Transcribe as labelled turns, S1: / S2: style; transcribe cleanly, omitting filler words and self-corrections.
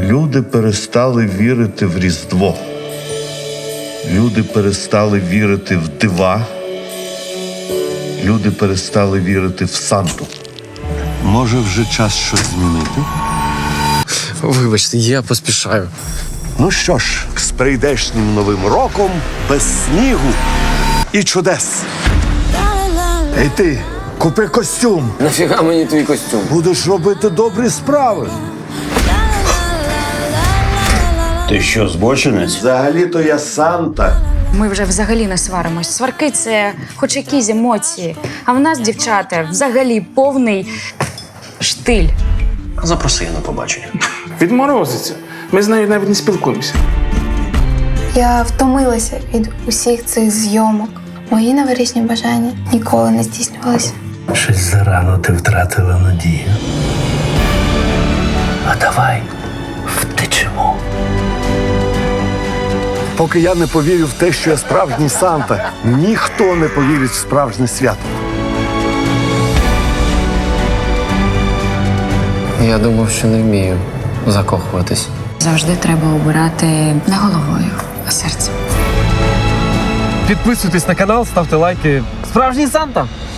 S1: Люди перестали вірити в Різдво. Люди перестали вірити в дива. Люди перестали вірити в Санту.
S2: Може, вже час щось змінити?
S3: Вибачте, я поспішаю.
S2: Ну що ж, з прийдешнім Новим роком, без снігу і чудес.
S1: Ей ти, купи костюм.
S3: Нафіга мені твій костюм?
S1: Будеш робити добрі справи.
S4: Ти що, збочинець?
S1: Взагалі-то я Санта.
S5: Ми вже взагалі не сваримось. Сварки – це хоч якісь емоції. А в нас, дівчата, взагалі повний штиль.
S4: Запроси її на побачення.
S6: Відморозиться. Ми з нею навіть не спілкуємося.
S7: Я втомилася від усіх цих зйомок. Мої новорічні бажання ніколи не здійснювалися.
S8: Щось зарано ти втратила надію. А давай втечемо.
S2: Поки я не повірю в те, що я справжній Санта, ніхто не повірить в справжнє свято.
S3: Я думав, що не вмію закохуватись.
S5: Завжди треба обирати не головою, а серцем.
S9: Підписуйтесь на канал, ставте лайки. Справжній Санта!